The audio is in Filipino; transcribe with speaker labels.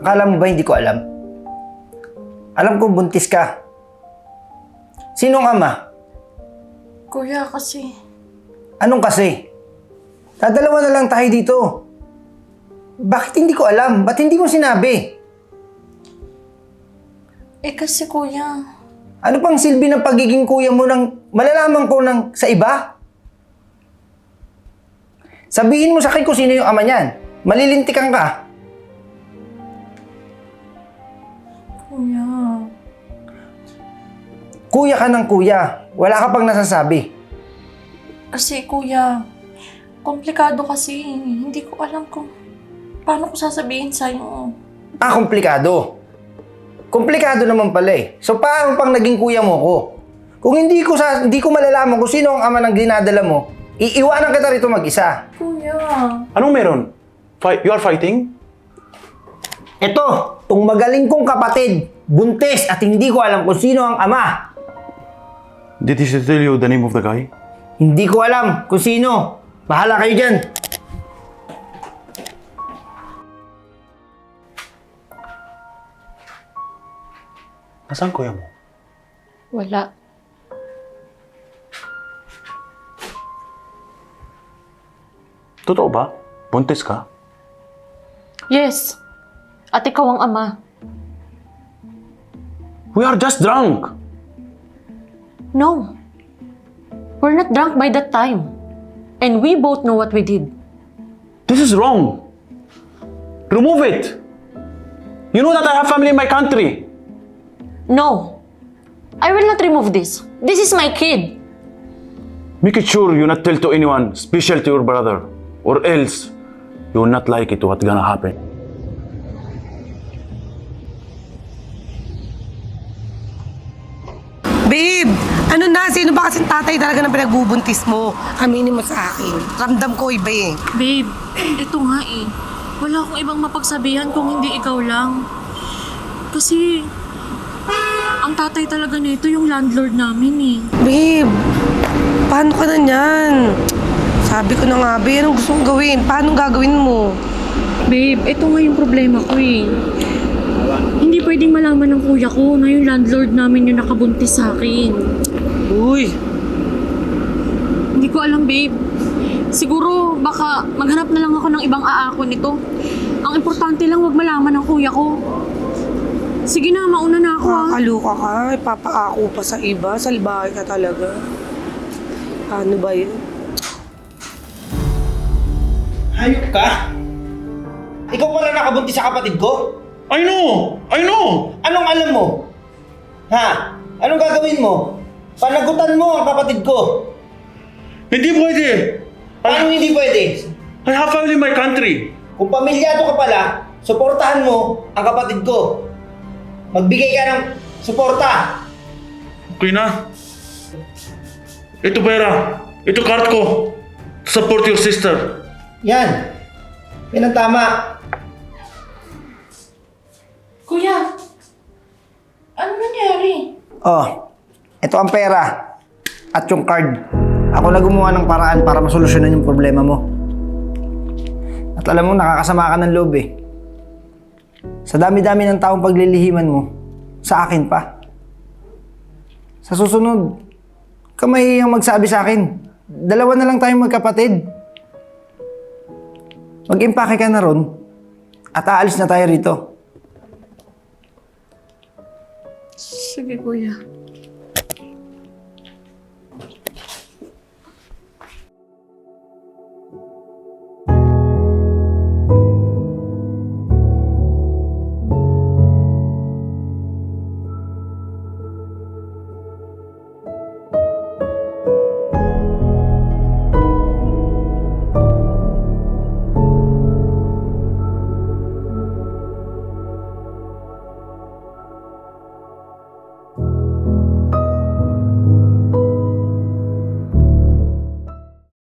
Speaker 1: Akala mo ba hindi ko alam? Alam kong buntis ka. Sinong ama?
Speaker 2: Kuya, kasi...
Speaker 1: Anong kasi? Dadalawa na lang tayo dito. Bakit hindi ko alam? Ba't hindi mo sinabi?
Speaker 2: kasi kuya...
Speaker 1: Ano pang silbi ng pagiging kuya mo nang malalaman ko sa iba? Sabihin mo sa akin kung sino yung ama niyan. Malilintikan ka.
Speaker 2: Kuya...
Speaker 1: Kuya ka ng kuya. Wala ka pang nasasabi.
Speaker 2: Kasi kuya... Komplikado kasi. Hindi ko alam kung... Paano ko sasabihin sa'yo?
Speaker 1: Komplikado. Komplikado naman pala eh. So paano pang naging kuya mo ko? Kung hindi ko malalaman kung sino ang ama ng dinadala mo, iiwanan kita rito mag-isa.
Speaker 2: Kuya...
Speaker 3: Anong meron? You are fighting?
Speaker 1: Ito, tong magaling kong kapatid, buntis at hindi ko alam kung sino ang ama.
Speaker 3: Did he tell you the name of the guy?
Speaker 1: Hindi ko alam kung sino. Bahala kayo dyan.
Speaker 3: Nasaan kuya mo?
Speaker 2: Wala.
Speaker 3: Totoo ba? Buntis ka?
Speaker 2: Yes. At ikaw ang ama.
Speaker 3: We are just drunk!
Speaker 2: No. We're not drunk by that time. And we both know what we did.
Speaker 3: This is wrong! Remove it! You know that I have family in my country!
Speaker 2: No. I will not remove this. This is my kid.
Speaker 3: Make it sure you not tell to anyone, especially to your brother, or else you will not like it what's gonna happen.
Speaker 4: Babe, ano na? Sino ba kasing tatay talaga na pinagbubuntis mo? Aminin mo sa akin. Ramdam ko iba eh.
Speaker 2: Babe, ito nga eh. Wala akong ibang mapagsabihan kung hindi ikaw lang. Kasi, ang tatay talaga nito yung landlord namin eh.
Speaker 4: Babe, paano ka na niyan? Sabi ko na nga, babe, anong gusto mong gawin? Paano gagawin mo?
Speaker 2: Babe, ito nga yung problema ko eh. Hindi pwedeng malaman ng kuya ko na yung landlord namin yung nakabuntis sa akin.
Speaker 4: Uy,
Speaker 2: Hindi ko alam, babe. Siguro, baka maghanap na lang ako ng ibang aako nito. Ang importante lang wag malaman ng kuya ko. Sige na, mauna na ako ha.
Speaker 4: makakaluka ka. Ipapaako pa sa iba. Salbahe ka talaga. Paano ba yun?
Speaker 1: Hayop ka? Ikaw pala nakabuntis sa kapatid ko?
Speaker 3: I know! I know!
Speaker 1: Anong alam mo? Ha? Anong gagawin mo? Panagutan mo ang kapatid ko.
Speaker 3: Hindi pwede!
Speaker 1: Paano hindi pwede?
Speaker 3: I have family in my country!
Speaker 1: Kung pamilyado ka pala, suportahan mo ang kapatid ko. Magbigay ka ng suporta.
Speaker 3: Okay na. Ito pera. Ito card ko. Support your sister.
Speaker 1: Yan. Yan ang tama.
Speaker 2: Kuya, ano nangyari?
Speaker 1: Oh, ito ang pera. At yung card. Ako na gumawa ng paraan para masolusyonan yung problema mo. At alam mo, nakakasama ka ng loob eh. Sa dami-dami ng taong paglilihiman mo, sa akin pa. Sa susunod, ka mahihiyang magsabi sa akin. Dalawa na lang tayong magkapatid. Mag-impake ka na ron at aalis na tayo rito.
Speaker 2: Sige, kuya.